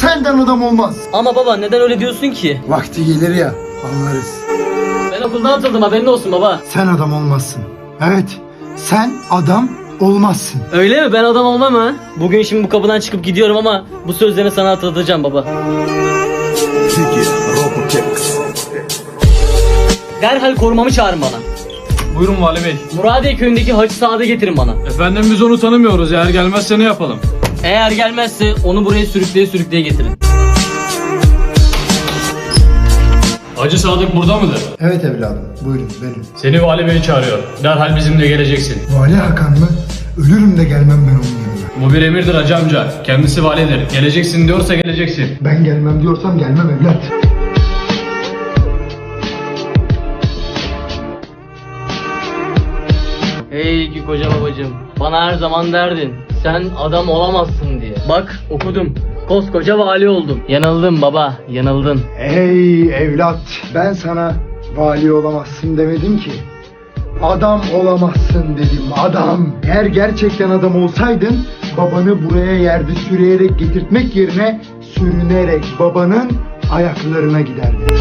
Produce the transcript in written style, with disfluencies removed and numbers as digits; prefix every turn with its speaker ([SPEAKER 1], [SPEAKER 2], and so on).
[SPEAKER 1] Senden adam olmaz.
[SPEAKER 2] Ama baba neden öyle diyorsun ki?
[SPEAKER 1] Vakti gelir ya, anlarız.
[SPEAKER 2] Ben okuldan atıldım, haberin olsun baba.
[SPEAKER 1] Sen adam olmazsın. Evet, sen adam olmazsın.
[SPEAKER 2] Öyle mi? Ben adam olmam ha? Bugün şimdi bu kapıdan çıkıp gidiyorum ama bu sözlerini sana hatırlatacağım baba. Derhal korumamı çağırın bana.
[SPEAKER 3] Buyurun Vali Bey.
[SPEAKER 2] Muradiye köyündeki Hacı Saad'ı getirin bana.
[SPEAKER 3] Efendim biz onu tanımıyoruz. Eğer gelmezse ne yapalım?
[SPEAKER 2] Eğer gelmezse onu buraya sürükleye getirin.
[SPEAKER 3] Hacı Sadık burada mıdır?
[SPEAKER 1] Evet evladım, buyurun benim.
[SPEAKER 3] Seni Vali Bey çağırıyor. Derhal bizimle geleceksin.
[SPEAKER 1] Vali Hakan mı? Ölürüm de gelmem ben onun yanına.
[SPEAKER 3] Bu bir emirdir hacı amca. Kendisi validir. Geleceksin diyorsa geleceksin.
[SPEAKER 1] Ben gelmem diyorsam gelmem evlat.
[SPEAKER 2] Ey ki koca babacığım, bana her zaman derdin, sen adam olamazsın diye. Bak okudum, koskoca vali oldum. Yanıldın baba, yanıldın.
[SPEAKER 1] Ey evlat, ben sana vali olamazsın demedim ki. Adam olamazsın dedim, adam. Eğer gerçekten adam olsaydın, babanı buraya yerde sürüyerek getirtmek yerine sürünerek babanın ayaklarına giderdin.